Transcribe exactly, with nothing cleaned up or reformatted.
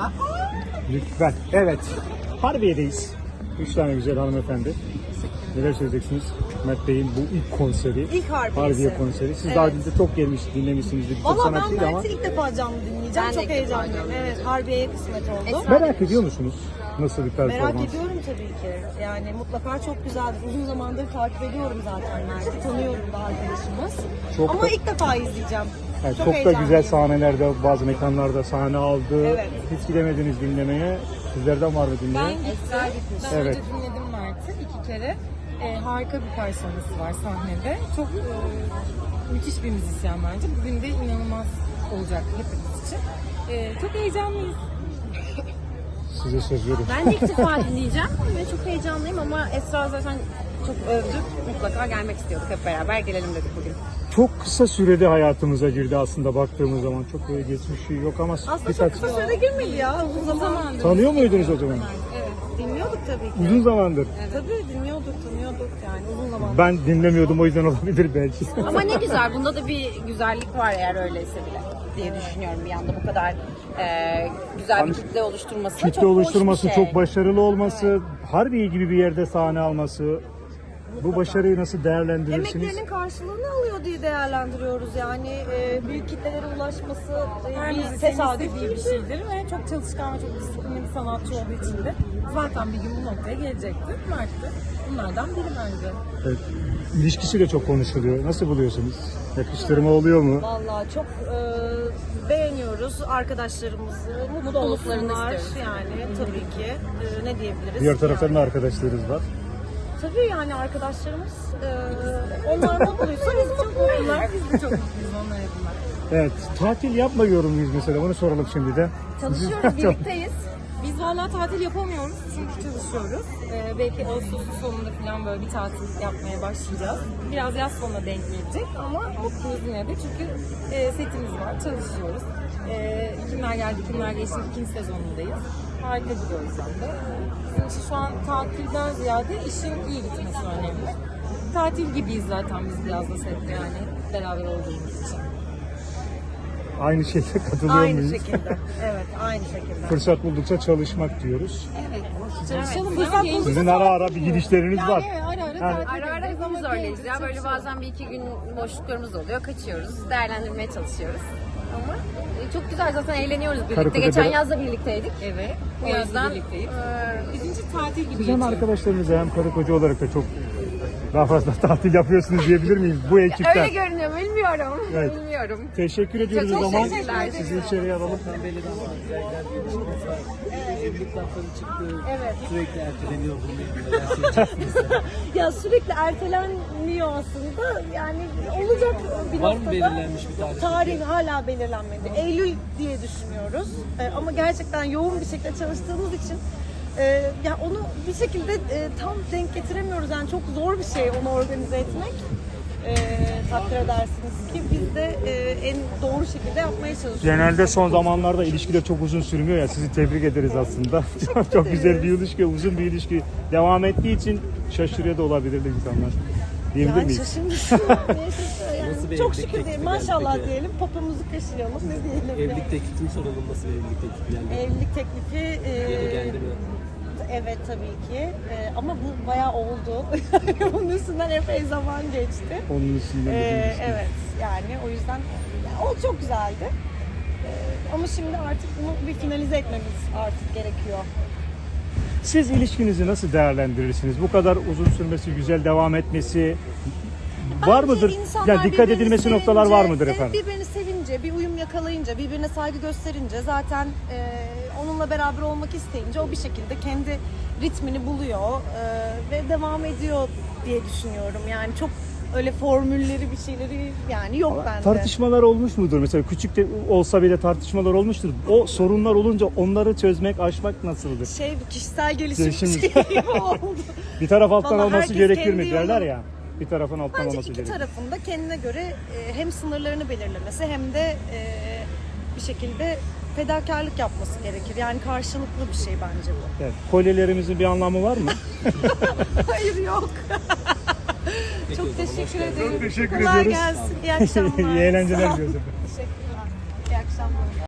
Lütfen. Evet. Harbiye'deyiz. Üç tane güzel hanımefendi. Neler söyleyeceksiniz? Mert Bey'in bu ilk konseri. İlk Harbiyesi. Harbiye konseri. Siz Evet. daha önce çok gelmiş, dinlemişsinizdir. Çok Valla ben sanatçıydı ama. Mert'i ilk defa canlı dinleyeceğim. Ben de Çok ilk defa heyecanlıyım. canlı Evet, Harbiye'ye kısmet oldu. Merak ediyor musunuz? Nasıl bir performans? Merak ediyorum tabii ki. Yani mutlaka çok güzeldir. Uzun zamandır takip ediyorum zaten Mert'i. Tanıyorum da arkadaşımız. Çok Ama da- ilk defa izleyeceğim. Yani çok çok da heyecanlıyım. güzel sahnelerde, bazı mekanlarda sahne aldı. Evet. Hiç gidemediniz dinlemeye. Sizlerden var mı Ben dinleyen? gittim. Ben Evet. önce dinledim Mert'i iki kere. Ee, harika bir personası var sahnede. Çok e, müthiş bir müzisyen bence. Bugün de inanılmaz olacak hepimiz için. Ee, çok heyecanlıyız. Size söz veriyorum. Ben de ilk defa dinleyeceğim ve çok heyecanlıyım ama Esra zaten çok övdü. Mutlaka gelmek istiyorduk, hep beraber gelelim dedik bugün. Çok kısa sürede hayatımıza girdi aslında baktığımız zaman. Çok böyle geçmişi yok ama Aslında birkaç... çok kısa sürede girmedi ya. Uzun zaman. Zamandır. Tanıyor muydunuz o zaman? Evet, dinliyorduk tabii ki. Uzun zamandır. Tabii dinliyorduk, tanıyorduk yani uzun zamandır. Ben dinlemiyordum, o yüzden olabilir belki. Ama ne güzel, bunda da bir güzellik var eğer öyleyse bile diye düşünüyorum bir anda bu kadar e, güzel bir kitle oluşturması. Kitle çok hoş bir oluşturması, şey. çok başarılı olması, Harbiye gibi bir yerde sahne alması. Bu başarıyı nasıl değerlendirirsiniz? Emeklerinin karşılığını alıyor diye değerlendiriyoruz yani e, büyük kitlelere ulaşması e, Her bir müzisyenin tesadüf istediği bir şeydir ve çok çalışkan ve çok disiplinli bir sanatçı olduğu için de zaten bir gün bu noktaya gelecektir. Mert de bunlardan biri bence. Evet. İlişkisi de çok konuşuluyor. Nasıl buluyorsunuz? Yakıştırma oluyor mu? Vallahi çok e, beğeniyoruz arkadaşlarımızı, mutlu Mutluluklarını olsunlar istiyoruz. yani tabii ki e, ne diyebiliriz? Diğer taraftan yani. da arkadaşlarınız var. Tabii yani arkadaşlarımız e, onlar mutluysa biz mutluyuz. Bunlar biz de çok mutluyuz onlar adına. Evet, tatil yapmıyor muyuz mesela? Onu soralım şimdi de. Çalışıyoruz, birlikteyiz. Biz hala tatil yapamıyoruz çünkü çalışıyoruz. Ee, belki Ağustos'un sonunda falan böyle bir tatil yapmaya başlayacağız. Biraz yaz sonuna denk gelecek ama mutluyuz yine de çünkü e, setimiz var, çalışıyoruz. E, kimler geldi, kimler geçti ikinci sezonundayız. Harika gidiyoruz hem de. Bizim için şu an tatilden ziyade işin iyi gitmesi önemli. Tatil gibiyiz zaten biz biraz da sette yani beraber olduğumuz için. Aynı şeyde katılıyor Aynı muyuz? şekilde. Evet, aynı şekilde. Fırsat buldukça çalışmak diyoruz. Çalışalım. Fırsat Yani bulduk. Sizin ara ara bir gidişleriniz var. Yani ara ara Ha. tatil Ara ara ederiz ama hepimiz öyleyiz ya. genelde Böyle çalışıyoruz. bazen bir iki gün boşluklarımız oluyor. Kaçıyoruz. Değerlendirmeye çalışıyoruz. Ama e, çok güzel zaten eğleniyoruz birlikte. Karı koca Geçen beraber- yaz da birlikteydik. Evet. Bu O yaz yüzden da birlikteyiz. e, Bizim için tatil gibi Siz hem geçiyor. arkadaşlarınızla hem karı koca olarak da çok daha fazla tatil yapıyorsunuz diyebilir miyiz bu ekipten? öyle görünüyor. Bilmiyorum. Evet. Bilmiyorum. Teşekkür ediyoruz Çok o zaman. teşekkürler. Sizi içeriye alalım. Evlilik lafları çıktı. Evet. Sürekli erteleniyor bu. Ya sürekli ertelenmiyor aslında. Yani olacak bir Var mı noktada. belirlenmiş bir tarih? Tarih hala belirlenmedi. Eylül diye düşünüyoruz. Ee, ama gerçekten yoğun bir şekilde çalıştığımız için e, ya onu bir şekilde e, tam denk getiremiyoruz. Yani çok zor bir şey onu organize etmek. E, takdir edersiniz ki biz de e, en doğru şekilde yapmaya çalışıyoruz. Genelde son zamanlarda ilişkiler çok uzun sürmüyor ya, sizi tebrik ederiz aslında. çok, çok güzel bir ilişki, uzun bir ilişki devam ettiği için şaşırıyor da olabilir insanlar. Diyebilir Yani miyiz? şaşırmışsın. Niye şaşırıyor yani? Nasıl bir Çok evlilik şükür teklifi diyelim. geldi Maşallah peki? diyelim. Popomuzu kaşıyalım. Ne diyelim? Evlilik teklifini soralım, nasıl bir evlilik teklifi geldi? Evlilik teklifi e, Ya da geldi mi? evet tabii ki. E, ama bu bayağı oldu. Bunun üstünden epey zaman geçti. Onun üstünden E, bir ilişki. evet yani o yüzden ya, o çok güzeldi. E, ama şimdi artık bunu bir finalize etmemiz artık gerekiyor. Siz ilişkinizi nasıl değerlendirirsiniz? Bu kadar uzun sürmesi, güzel devam etmesi var Bence mıdır? insanlar Yani dikkat birbirini edilmesi noktalar var sevince, mıdır evet, efendim? birbirini sevince, bir uyum yakalayınca, birbirine saygı gösterince zaten e, onunla beraber olmak isteyince o bir şekilde kendi ritmini buluyor e, ve devam ediyor diye düşünüyorum. Yani çok öyle formülleri bir şeyleri yani yok bende. Tartışmalar olmuş mudur? Mesela küçük de olsa bile tartışmalar olmuştur. O sorunlar olunca onları çözmek, aşmak nasıldır? Şey kişisel gelişim Gelişim. şeyi oldu. Bir taraf alttan Vallahi olması herkes gerekir kendi mi derler yolunu- ya. Bir tarafın alttan Bence olması iki gerekir. tarafın da kendine göre e, hem sınırlarını belirlemesi hem de e, bir şekilde fedakarlık yapması gerekir. Yani karşılıklı bir şey bence bu. Evet. Kolyelerimizin bir anlamı var mı? Hayır yok. Peki, Çok o zaman hoş teşekkür geldiniz. ederim. Çok teşekkür Kolay ediyoruz. gelsin. İyi akşamlar. İyi eğlenceler Sağ ol. diliyoruz. Teşekkür